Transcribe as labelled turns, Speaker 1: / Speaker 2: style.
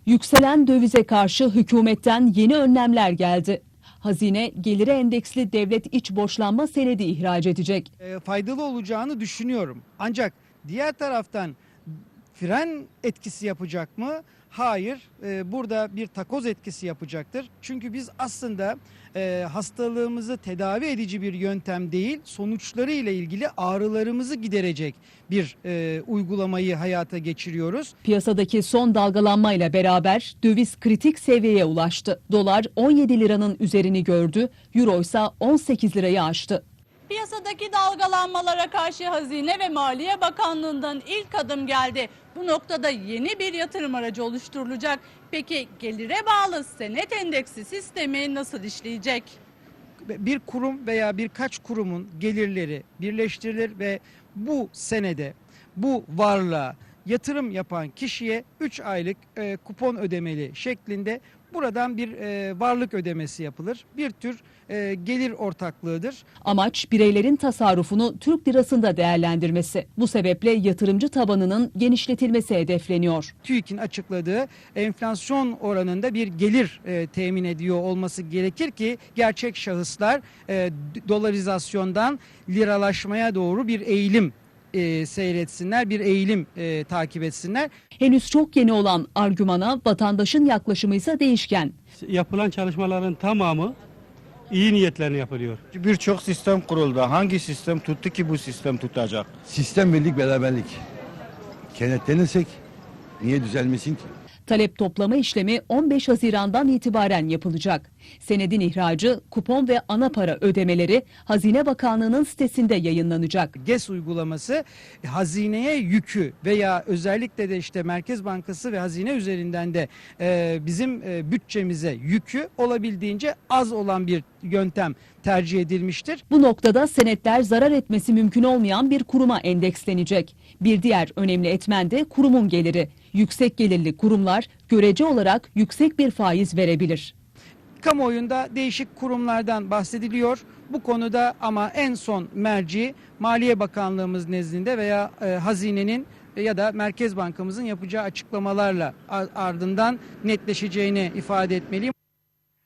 Speaker 1: Yükselen dövize karşı hükümetten yeni önlemler geldi. Hazine gelire endeksli devlet iç borçlanma senedi ihraç edecek.
Speaker 2: Faydalı olacağını düşünüyorum. Ancak diğer taraftan fren etkisi yapacak mı? Hayır. Burada bir takoz etkisi yapacaktır. Çünkü biz aslında hastalığımızı tedavi edici bir yöntem değil, sonuçları ile ilgili ağrılarımızı giderecek bir uygulamayı hayata geçiriyoruz.
Speaker 1: Piyasadaki son dalgalanmayla beraber döviz kritik seviyeye ulaştı. Dolar 17 liranın üzerini gördü, euro ise 18 lirayı aştı.
Speaker 3: Piyasadaki dalgalanmalara karşı Hazine ve Maliye Bakanlığı'ndan ilk adım geldi. Bu noktada yeni bir yatırım aracı oluşturulacak. Peki gelire bağlı senet endeksi sistemi nasıl işleyecek?
Speaker 2: Bir kurum veya birkaç kurumun gelirleri birleştirilir ve bu senede, bu varlığa yatırım yapan kişiye 3 aylık kupon ödemeli şeklinde buradan bir varlık ödemesi yapılır. Bir tür gelir ortaklığıdır.
Speaker 1: Amaç bireylerin tasarrufunu Türk lirasında değerlendirmesi. Bu sebeple yatırımcı tabanının genişletilmesi hedefleniyor.
Speaker 2: TÜİK'in açıkladığı enflasyon oranında bir gelir temin ediyor olması gerekir ki gerçek şahıslar dolarizasyondan liralaşmaya doğru bir eğilim seyretsinler, bir eğilim takip etsinler.
Speaker 1: Henüz çok yeni olan argümana vatandaşın yaklaşımı ise değişken.
Speaker 4: Yapılan çalışmaların tamamı iyi niyetlerine yapılıyor.
Speaker 5: Birçok sistem kuruldu. Hangi sistem tuttu ki bu sistem tutacak?
Speaker 6: Sistem birlik beraberlik. Kenetlenirsek niye düzelmesin ki?
Speaker 1: Talep toplama işlemi 15 Haziran'dan itibaren yapılacak. Senedin ihracı, kupon ve ana para ödemeleri Hazine Bakanlığı'nın sitesinde yayınlanacak.
Speaker 2: GES uygulaması hazineye yükü veya özellikle de işte Merkez Bankası ve hazine üzerinden de bizim bütçemize yükü olabildiğince az olan bir yöntem tercih edilmiştir.
Speaker 1: Bu noktada senetler zarar etmesi mümkün olmayan bir kuruma endekslenecek. Bir diğer önemli etmen de kurumun geliri. Yüksek gelirli kurumlar görece olarak yüksek bir faiz verebilir.
Speaker 2: Kamuoyunda değişik kurumlardan bahsediliyor. Bu konuda ama en son merci Maliye Bakanlığımız nezdinde veya hazinenin ya da Merkez Bankamızın yapacağı açıklamalarla ardından netleşeceğini ifade etmeliyim.